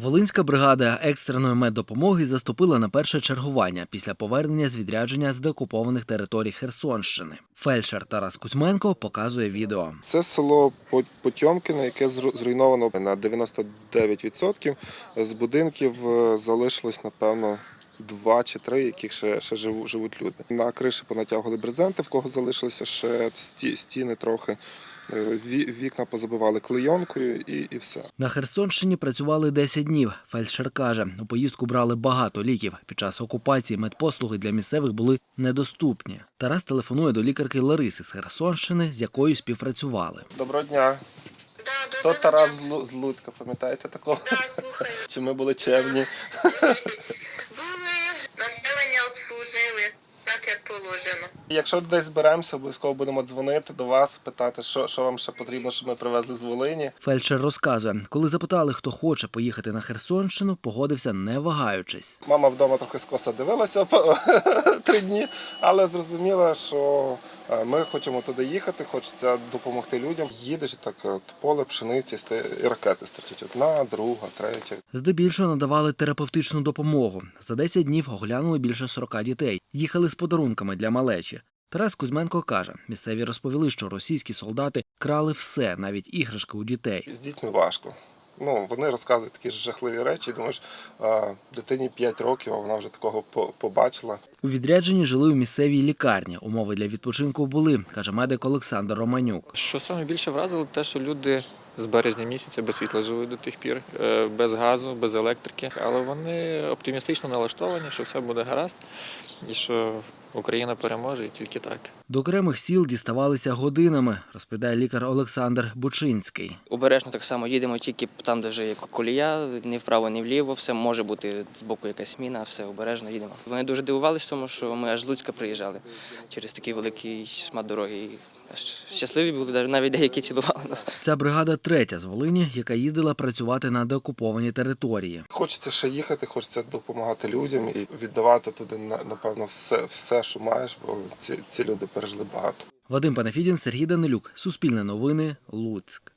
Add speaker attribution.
Speaker 1: Волинська бригада екстреної меддопомоги заступила на перше чергування після повернення з відрядження з деокупованих територій Херсонщини. Фельдшер Тарас Кузьменко показує відео.
Speaker 2: Це село Потьомкіне, яке зруйновано на 99%. З будинків залишилось, напевно, 2 чи 3, яких ще живуть люди. На криші понатягували брезенти, в кого залишилися ще стіни трохи. Вікна позабивали клейонкою і все.
Speaker 1: На Херсонщині працювали 10 днів. Фельдшер каже, у поїздку брали багато ліків. Під час окупації медпослуги для місцевих були недоступні. Тарас телефонує до лікарки Лариси з Херсонщини, з якою співпрацювали.
Speaker 2: Доброго дня. То Тарас з Луцька, пам'ятаєте такого?
Speaker 3: Так, слухаю.
Speaker 2: Чи ми були чемні?
Speaker 3: Були, населення обслужили, так як положено.
Speaker 2: Якщо десь зберемося, обов'язково будемо дзвонити до вас, питати, що вам ще потрібно, щоб ми привезли з Волині.
Speaker 1: Фельдшер розказує, коли запитали, хто хоче поїхати на Херсонщину, погодився не вагаючись.
Speaker 2: Мама вдома трохи скоса дивилася 3 дні, але зрозуміла, що ми хочемо туди їхати, хочеться допомогти людям. Їдеш, так поле пшениці, і ракети стартять. 1, 2, 3.
Speaker 1: Здебільшого надавали терапевтичну допомогу. За 10 днів оглянули більше 40 дітей. Їхали з подарунками для малечі. Тарас Кузьменко каже, місцеві розповіли, що російські солдати крали все, навіть іграшки у дітей.
Speaker 2: З дітьми важко. Вони розказують такі жахливі речі. Думаєш, дитині 5 років, а вона вже такого побачила.
Speaker 1: У відрядженні жили у місцевій лікарні. Умови для відпочинку були, каже медик Олександр Романюк.
Speaker 4: Що саме більше вразило, те, що люди з березня місяця без світла живуть до тих пір, без газу, без електрики. Але вони оптимістично налаштовані, що все буде гаразд і що Україна переможе і тільки так.
Speaker 1: До окремих сіл діставалися годинами, розповідає лікар Олександр Бучинський.
Speaker 5: Обережно так само їдемо тільки там, де вже є колія, ні вправо, ні вліво, все може бути з боку якась міна, все обережно їдемо. Вони дуже дивувалися тому, що ми аж з Луцька приїжджали через такий великий шмат дороги. І аж щасливі були, навіть деякі цілували нас.
Speaker 1: Ця бригада третя з Волині, яка їздила працювати на деокуповані території.
Speaker 2: Хочеться ще їхати, хочеться допомагати людям і віддавати туди, напевно, все, що маєш, бо ці люди пережили багато.
Speaker 1: Вадим Панафідін, Сергій Данилюк. Суспільне новини. Луцьк.